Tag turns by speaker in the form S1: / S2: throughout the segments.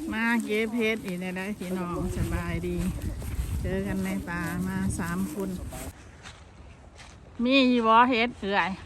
S1: มาเก็บเพชรอีกได้พี่น้องสบายดี เจอกันในป่ามา3 คนมีอยู่บ่เฮ็ดเอื่อย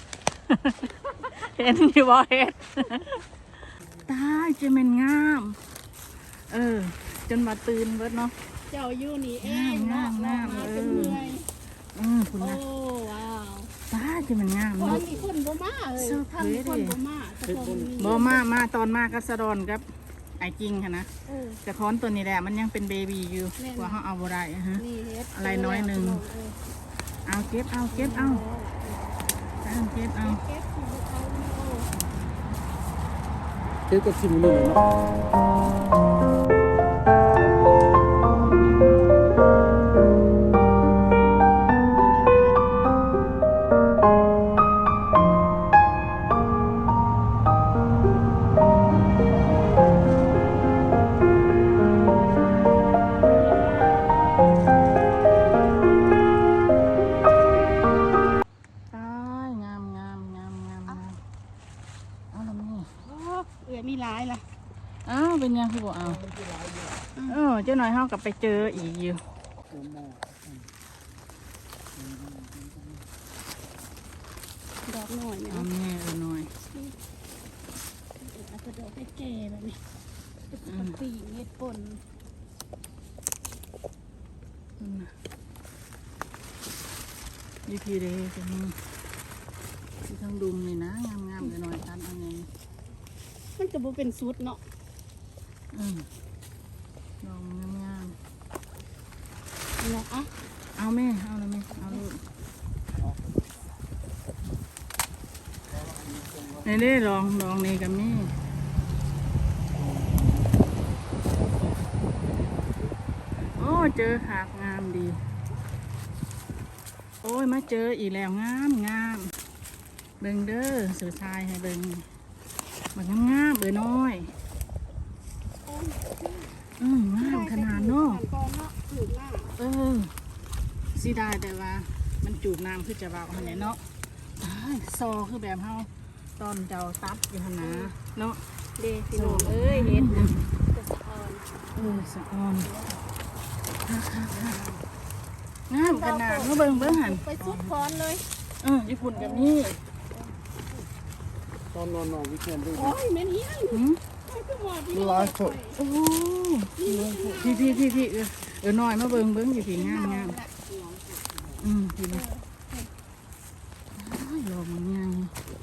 S1: เห็นอยู่บ่เฮ็ดตายจะเป็นงามจนมาตื่นเบิดเนาะ
S2: เจ้าอยู่นี่เองเนาะมาจนเหนื่อย
S1: คุณนะ
S2: โอ้ว้าว
S1: ตายจะเป็นงาม
S2: ตอนนี้คนบ่มาเลยทั้งคนบ่มาแต่คน
S1: บ่มาตอนมาก็สะดอนครับไอ้จริงค่ะนะกระท้อนตัวนี้แหละมันยังเป็นเบบีอยู่กว่าเขาเอาบ่ได้ฮะอะไรน้อยหนึ่งเอาเก็บเอาเก็บเอาเก็บ
S3: กับชิมหนึ่ง
S2: มีหลายล่ะ
S1: เป็นยังคือบอกเอาเจ้าหน่อยเฮากลับไปเจออีกอยู่
S2: ดอกหน่อยเนี่ย
S1: เอาแม่หน่อย
S2: เอาดอกให้แก่แบบนี้เป็นปีเม็ดป่น
S1: ยี่พีเดย์จะมีที่ทั้งดุมเลยนะงามๆหน่อยตันอันนี้
S2: มันจะบ่เป็นสุดเนาะ
S1: ดอกงาม
S2: เนาะ
S1: เอาแม่เอาเลยแม่เอาลูกนี่ลองนี่กับแม่โอ้เจอขากงามดีโอ้ยมาเจออีกแล้วงามเบิ่งเด้อสื่อชายให้เบิ่งมันงามน้อยงามขนาดเนาะสีได้แต่ว่ามันจูบน้ำคือจะเบาขนาดเนาะซอคือแบบเฮาตอนเจ้าตัดอยู่ขนาดเนาะ
S2: เด็กพี่น้องเอ้ยเห็น
S1: สะออนงามขนาดเมื่อเบิ่งหัน
S2: ไปสุดพรเลย
S1: ญี่ปุ่นกับนี่
S3: ตอนนอนวิกเอนด์ด้วย
S2: โอ้ยแม่นเฮีย
S3: ดูไลฟ์สด
S1: โอ้พี่น้อยมาเบิ่งอยู่พี่งามพี่นะลมมันยัง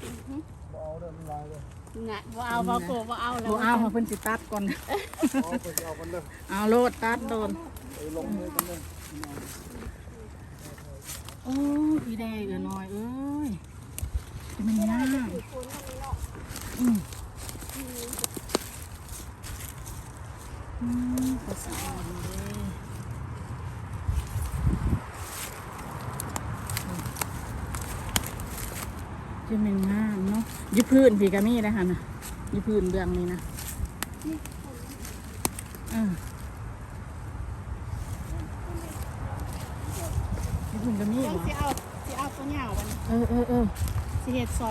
S2: น่ะบ่เอาบ่โกบ่เอาแล้ว
S1: บ่เอาเพิ่นสิตัดก่อนเอาโลดตัดโดน
S3: ลงมือกันเลย
S1: โอ้พี่แดงน้อยเอ้ยมันยากภาษาเลยจะเป็นงามเนาะยืดพื้นพี่กามี่ได้ค่ะนะยืดพื้นเบื้องนี้นะยืดพื้นกามี่เหรอ
S2: สิเอาตัวเหงาวันสิเฮ็ดสด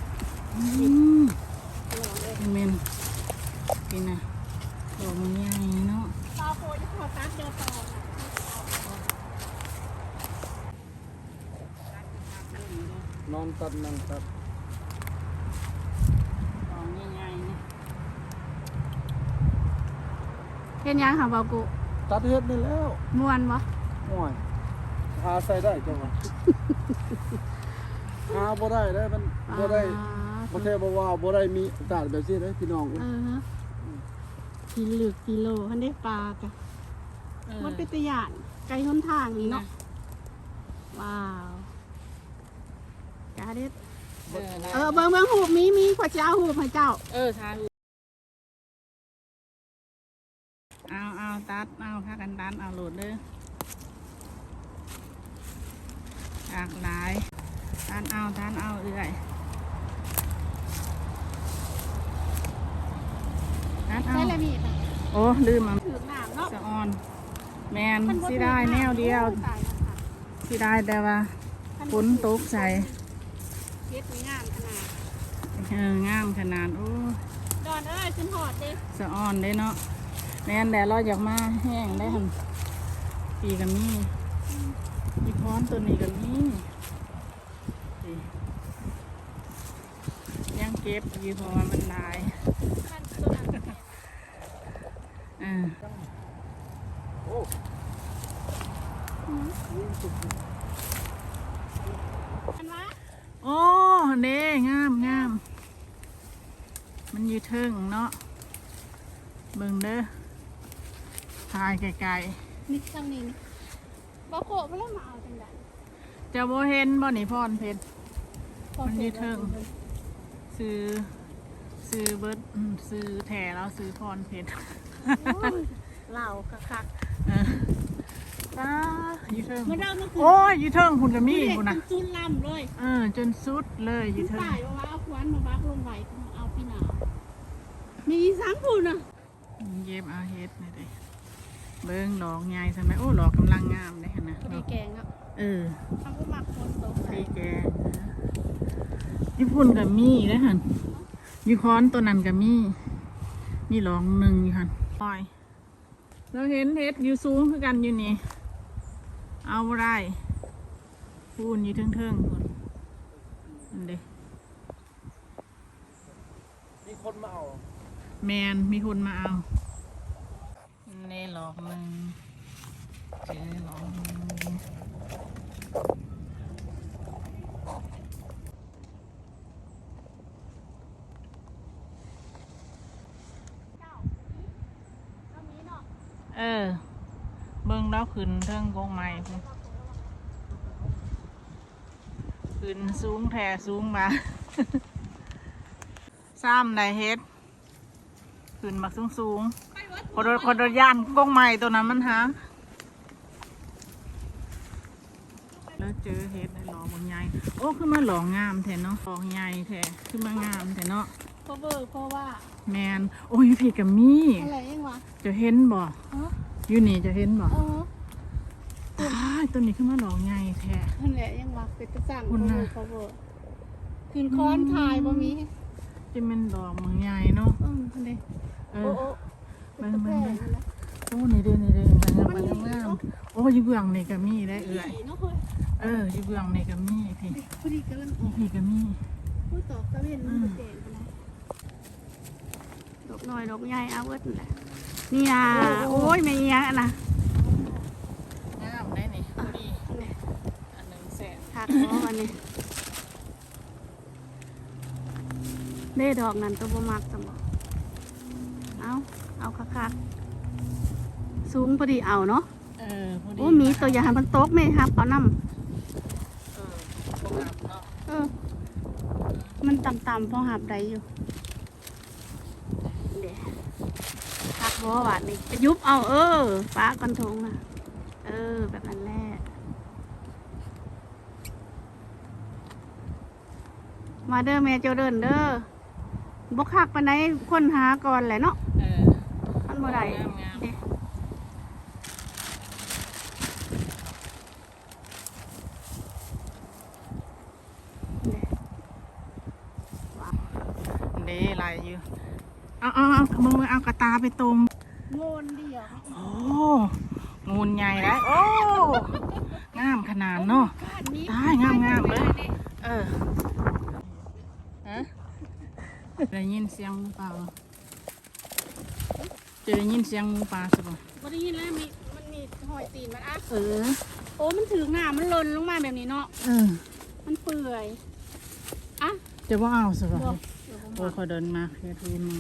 S1: เมนกินนะดอกมันใหญ่เนาะ
S2: ตาโคจะขอตัดเดียวต่อ
S3: นอนตัดนั่งตัด
S1: ดอกใหญ่ๆนี่
S2: เฮ็ดยังค่ะบ่าวกุ
S3: ตัดเฮ็ดนี่แล้ว
S2: ม่วนบ่
S3: ม่วนหาใส่ได้จังหวะหาบ่ได้มันบ่ได้บ่แท้บ่ว่าบ่ได้มีโอกาสแบบนี้เลยพี่น้อง
S2: กิโลกิโลทันได้ปลากะมันเป็นตัวอย่างไกลหนทางนี่เนาะว้าวกาเด็ดเบิ่งหูบมีขวดเจ้าหูบให้เจ้า
S1: ทาเอาตัดเอาพากันตัดเอาโหลดเด้อหลากหลายทานเอาเอื่อย
S2: ใช่เลยมี
S1: โอ้ลืมมา
S2: ถือหนามเนาะ
S1: สะออนแมนสิได้แนวเดียวสิได้แต่ว่าฝนตกใส่
S2: เฮ็ดงามขนาด
S1: งามขนาดโอ้
S2: ดอนขึ้นหอดดิ
S1: สะออนได้เนาะแม่นแต่เราอยากมาแห้งได้หันปีกับมีมีค้อนตัวนี้กับมีนี่ยังเก็บอยู่เพราะว่ามันหลายอ่า
S3: โอ้
S2: อันวะ
S1: โอ้เด้งามงามมันอยู่เทิงเนาะเบิ่งเด้อถ่ายไกล
S2: นี่ทางนี้นี่บ่โคไปแล้วมาเอาจังได๋
S1: ๆจะบ่เห็นบ่นี่พรเพชร มันอยู่เทิง ซื้อเบิร์ดซื้อแถแล้วซื้อพรเพชร
S2: เหล่าคัก
S1: เออตาอยู่เทิง
S2: ๆมันเริ่มมันคือ
S1: โอ้ยอยู่เทิงคุณกับมี่
S2: เด็ก
S1: คุณ
S2: มั
S1: นะ
S2: นจุนลำเลย
S1: จนสุดเลยอยู่เทิง
S2: ตายว่าเอาควันมาบักลงไว้เอาพี่หนาวมีสังพูนอ่ะ
S1: เย็บเอาเฮ็ดนี่เด้เบิ่งดอกใหญ่ใช่ไหมโอ้ดอกกำลังงามเลยนะ
S2: พอดีแกงอ่ะ
S1: เออ
S2: ทำก็หมักคนตกใส่
S1: ดีแกญี่ปุ่นกับมี่ได้หันยูคอนตัวนั้นกับมีหลองหนึ่งอยู่หันปล่อยเราเห็นเฮ็ดอยู่สูงคือกันอยู่นี่เอาบ่ได้พูนอยู่เทิงๆคนอันเด้
S3: มีคนมาเอา
S1: แมนมีคนมาเอาเน่หลอกหนึ่งเจอหลอกหนึ่ง
S2: เอามีเนาะ
S1: เบิ่งแล้วขึ้นเทิงกงไม้พุ่นขึ้นสูงแท่สูงมา ซ้ำได้เฮ็ดขึ้นบักสูงคนโดนย่านกงไม้ตัวนั้นมันหาแล้วเจอเฮ็ดในหลอกบางใหญ่โอ้ขึ้นมาหลอกงามแท้เนาะหลอกใหญ่แท้ขึ้นมางามแท้เนาะ
S2: เพราะเบอร์เพราะว่า
S1: แมนโอ้ยพี่กับมี่
S2: อะไรยังวะ
S1: จะเห็นบ่
S2: เออ
S1: อยู่นี่จะเห็นบ่
S2: เออ
S1: อ้ายตัวนี้ขึ้นมาหลอกใหญ่แท้
S2: นั่นแหละยังวะเป็นตะสั่ง
S1: คุณน่ะ
S2: เพราะเบอร์คืนค้อนทายบ่มี
S1: จะเป็นดอกบางใหญ่เนาะ
S2: คนเดี
S1: เอ
S2: โอ้
S1: อ
S2: โอ้
S1: เบิ่ง
S2: แพ
S1: เบิ่ง
S2: ง
S1: เบิ่ง
S2: นะ
S1: โอ้นี่เด้นี่เด้งามโอ้อยู่เบื้องนี่ก็มีได้เอื่อย
S2: เนาะเฮ้ย
S1: อยู่เบื้องนี่ก็มีพี่
S2: พอดีกำลังออก
S1: พี่ก็มี
S2: ผู้ตอกตะเวนมันก็เจ๋งนะดอกน้อยดอกใหญ่เอาเวิร์ดนั่นแหละนี่นะโอ้ยไม่เงี้ยนะ
S1: งามได้นี่พอดีอันหนึ่งแสน
S2: หักคอวันนี้เล่ดอกนั้นตัวบ่มักสมองเอาคักๆสูงพอดีเอาเนาะ
S1: พอดี
S2: โอ้มีตัวอย่างมันตกไหมครับเอาน้ำ
S1: บ่งามเนาะ
S2: มันต่ำๆพอหับได้อยู่เดี๋ยวหักบ่หวานนี่ไปยุบเอาฟ้ากันทงนะแบบนั้นแหละมาเด้อแม่เจ้าเดินเด้อบกคักปานใดคนหาก่อนแหละเนาะมันบ่ได้
S1: งามงาม
S2: เด้
S1: เด้ลายอยู่เอามึงเอากระตาไปตรง
S2: โงนเดียว
S1: โอ้งูใหญ่ได้โอ้งามขนาดเนาะ ได้งามเลย ฮะได้ยินเสียงหมูป่าบ่จะได้ยินเสียงหมูป่าใช่ปะ
S2: บ่ได้ยินแล้วมันมีหอยตีนมันโอ้มันถึงหน้ามันหล่นลงมาแบบนี้เนาะมันเปื่อยอ่ะ
S1: จะว่าเอาใช่ปะ
S2: บอก
S1: โอ้ยขอเดินมาเฮ็ดหูหนู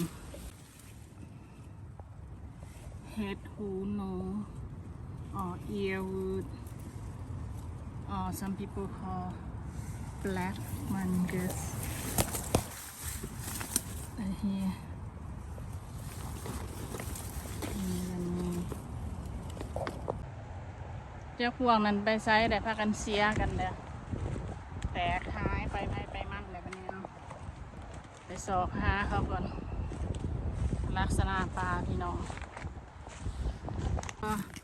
S1: เฮ็ดหูหนูearwood some people call black fungus here เจ้าพวกนั้นไปไซส์ได้พากันเสียกันเด้อแต่ขายไปมั่นเลยวันนี้เนาะไปสอกหาเขาก่อนลักษณะปลาพี่น้อง